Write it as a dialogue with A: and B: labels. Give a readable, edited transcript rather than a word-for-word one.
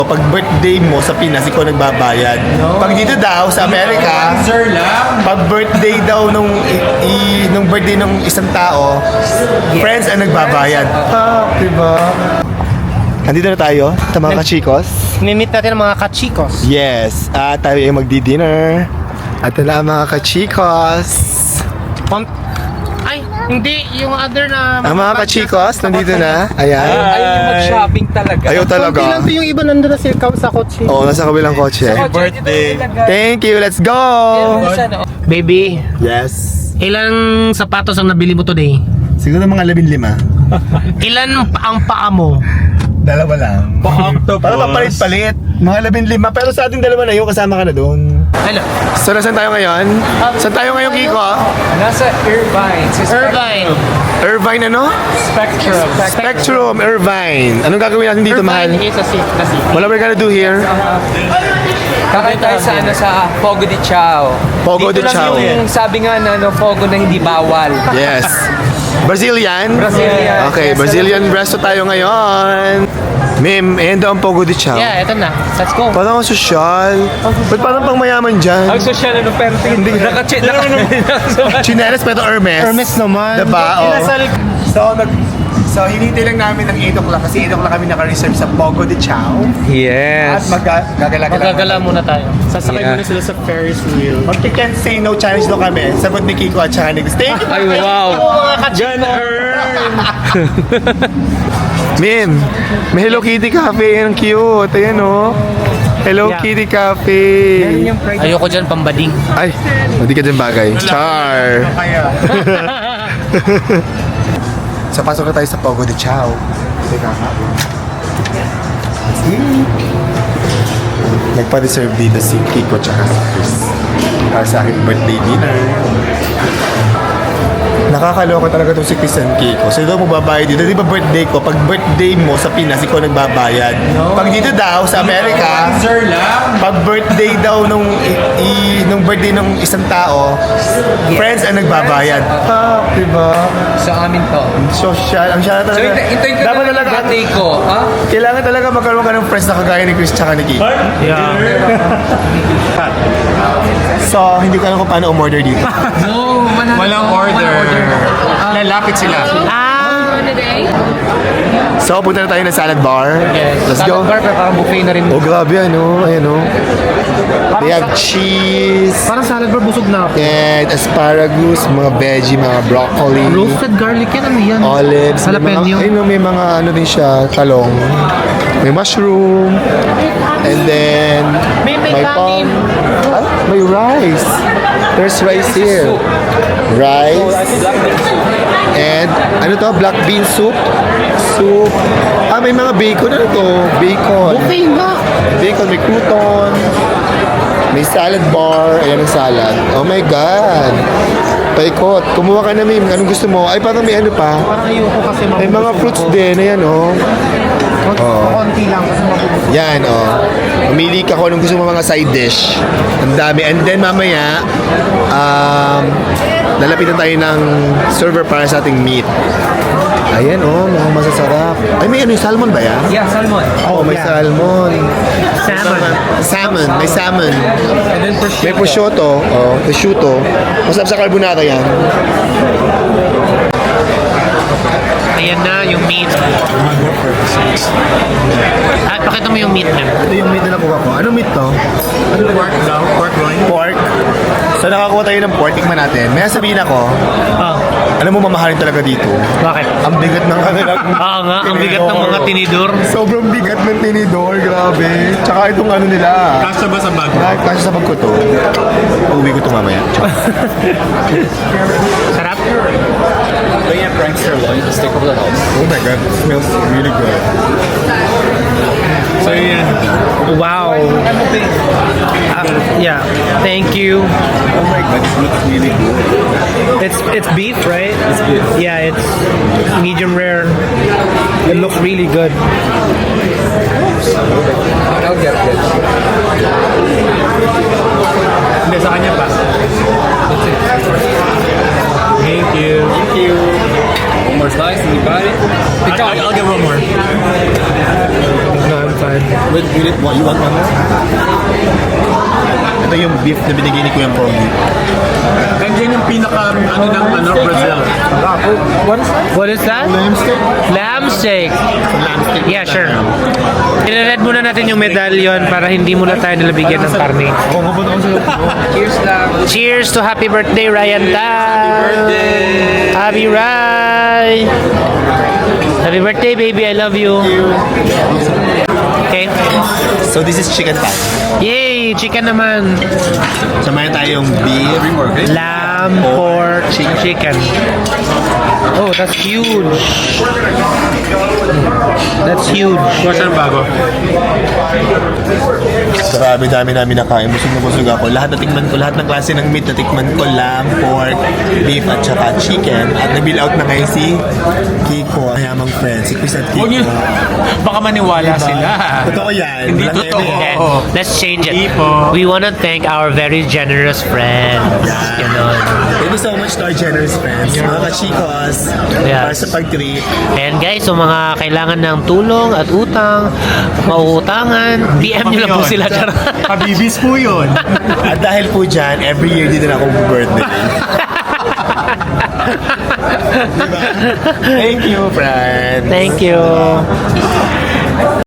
A: Pag birthday mo sa Pinas, ikaw nagbabayad. Pag dito daw sa Amerika, pag birthday daw nung birthday ng isang tao, friends ang nagbabayad. Diba? Andito na tayo sa mga kachikos.
B: Mimit natin ang mga kachikos.
A: Yes, tayo ay magdi-dinner. At na ang mga kachikos.
B: Ay, hindi. Yung other na...
A: Ang mga kachikos, nandito na. Ayan.
C: Ayaw yung mag-shopping talaga.
A: Ayaw
B: Konti lang
A: talaga.
B: to yung iba nandun na sa kotse.
A: Oo, nasa kabilang kotse.
C: Birthday.
A: Thank you, let's go!
B: Baby,
A: Yes.
B: ilang sapatos ang nabili mo today?
A: Siguro mga 15.
B: Ilan ang paa mo?
A: Dalawa lang.
C: Pa-octopus.
A: Para papalit-palit. Mga 15. Pero sa ating dalawa na yun, kasama ka na doon.
B: Hello.
A: So, nasan tayo ngayon? Saan tayo ngayon, Kiko?
C: Nasa Irvine.
B: Irvine.
A: Irvine ano?
C: Spectrum.
A: Spectrum, Irvine. Anong gagawin natin dito, mahal?
B: Irvine is a city.
A: What are we gonna do here?
C: Kakain tayo sa Fogo de Chao.
A: Fogo de
C: Dito lang
A: Chao.
C: yung sabi nga na Fogo na hindi bawal.
A: Yes. Brazilian?
C: Brazilian.
A: Okay,
C: Yes,
A: Brazilian resto tayo ngayon. Ma'am, ayan daw ang Fogo de Chao.
B: Yeah, eto na. Let's go.
A: Parang ang sosyal. Ba't parang pang mayaman dyan?
C: Ang social ano pero hindi.
A: Chinelas pero Hermes.
B: Hermes naman.
A: Diba? Oh. So, hinintay lang namin ng 8 o'clock kasi 8 o'clock kami naka-reserve sa Fogo de Chao. At
C: Yes.
B: Magagala muna tayo. Sasakay
C: Yeah.
B: muna sila sa Ferris wheel.
A: Pag you can't say no challenge daw kami, sagot ni Kiko at saka ni Gus. Thank you!
C: Ay, wow.
B: Mga kachikos.
A: Min, may Hello Kitty Cafe. Ang cute. Ayan o. Hello
B: Yeah.
A: Kitty Cafe.
B: Ayoko dyan, pambading.
A: Ay, hindi ka dyan bagay. Char. So, pasok na tayo sa Fogo de Chao. Nagpa-reserve dito si Kiko tsaka si Chris para sa aking birthday dinner. Nakakaloka talaga itong si Chris and Kiko. So, ito magbabayad dito. Di ba birthday ko? Pag birthday mo sa Pinas, ikaw nagbabayad. Pag dito daw sa Amerika, pag birthday daw nung birthday ng isang tao, friends ang nagbabayad. Diba?
C: Sa amin to.
A: Social. Ang siya
C: So,
A: talaga.
C: hintayin ko
A: Dapat
C: na
A: talaga.
C: birthday ko. Ha?
A: Kailangan talaga magkaroon ka ng friends na kagaya ni Chris tsaka ni Kiko.
B: Yeah.
A: So, hindi ko alam kung paano umorder dito.
C: No, walang order. Lalapit sila.
A: So, punta na tayo ng salad bar. Let's go.
B: Salad bar, pero parang buffet na rin.
A: Oh, grabe ano. Ayan o. They have cheese.
B: Parang salad bar, busog na ako.
A: And asparagus, mga veggie, mga broccoli.
B: Roasted garlic yan, ano yan?
A: Olives.
B: Jalapeno.
A: May mga ano din siya, talong. May mushroom. And then,
B: May
A: palm.
B: kanin.
A: Ah, may rice. There's rice here. Rice. And, ano to? Black bean soup. Soup. Ah, may mga bacon. Ano to? Bacon.
B: Buffet nga.
A: Bacon, may crouton. May salad bar. Ayan ang salad. Oh my God. Paikot. Kumuha ka na, Mim. Anong gusto mo? Ay, parang may ano pa.
B: Parang ayoko kasi
A: May mga fruits din. Ayan, oh.
B: Konti lang kasi mabubusog.
A: Yan, oh. Mamili ka kung anong gusto mo mga side dish. Ang dami. And then, mamaya, lalapitan tayo ng server para sa ating meat. Ayan, oh. Mga masasarap. Ay, may ano, salmon ba yan?
C: Yeah, salmon.
A: Oh, may
B: yeah.
A: salmon.
B: Salmon.
A: Salmon. May salmon.
C: And then
A: May prosciutto. Oh, prosciutto. Masarap sa carbonara yan.
B: Ayan na yung meat. At pakita mo yung meat na.
A: Ito yung meat na nakuha ko. Anong meat to? Ano pork daw? Pork loin? Pork. So nakakuha tayo ng pork. Tikman natin. May sabihin ako,
B: Oh,
A: alam mo mamahalin talaga dito.
B: bakit?
A: Ang bigat ng kanilang
B: Oo nga, ang bigat ng mga tinidor.
A: Sobrang bigat ng tinidor, grabe. Tsaka itong ano nila.
C: Kasya ba sa bag?
A: Kasi sa bag ko to. Uuwi ko to mamaya.
B: Sarap.
C: Bring a prankster loin to stick over the house.
A: Oh my God, it smells really good.
B: So yan. Wow. Yeah. Thank you.
A: Oh my God, it looks really good.
B: It's beef, right? It's beef. Yeah, it's medium rare. It looks really good.
C: I'll get this.
B: Hindi, sa kanya pa. Thank you.
C: Thank you. One more slice and you got it. I'll get one more.
B: No, I'm fine.
C: With
A: What, you want one more? Ito yung beef na binigay ni Kuya Pogi.
D: Nandiyan yung pinaka, Brazil.
B: What is that?
A: Lamb steak?
B: Lamb steak.
A: Lamb steak.
B: Yeah, sure. I-read muna natin yung medallion para hindi muna tayo nilabigyan ng karne.
A: Ako nga ba ako sa'yo?
C: Cheers lang.
B: Cheers to happy birthday, Ryan Tan! Happy Ray! Happy birthday, baby. I love you. Okay.
A: So this is chicken thigh.
B: Yay! Chicken naman.
A: Samayan tayong beef.
B: Lamb, pork, chicken. Oh, that's huge. That's huge.
D: Saan bago?
A: Grabe, dami namin nakain. Busog na busog ako. Lahat natikman ko, lahat ng klase ng meat natikman ko. Lamb, pork, beef, at saka chicken. At nabill out na ngayon si Kiko. Ayamang friend, si Chris at Kiko.
D: Huwag yun. Baka maniwala sila.
A: Totoo yan.
D: Hindi
A: Walang
D: totoo.
A: eme.
B: Okay, let's change it.
D: Ipo.
B: We want to thank our very generous friends. Ganon.
A: Thank you so much to our generous friends. Mga kachikos.
B: Yes.
A: Para sa pag-treat.
B: And guys, so mga kailangan ng tulong at utang, mauutangan, DM nyo lang po sila. Charot.
D: Kabibis po yun.
A: At dahil po dyan, every year dito na ako birthday. Diba? Thank you, friends.
B: Thank you.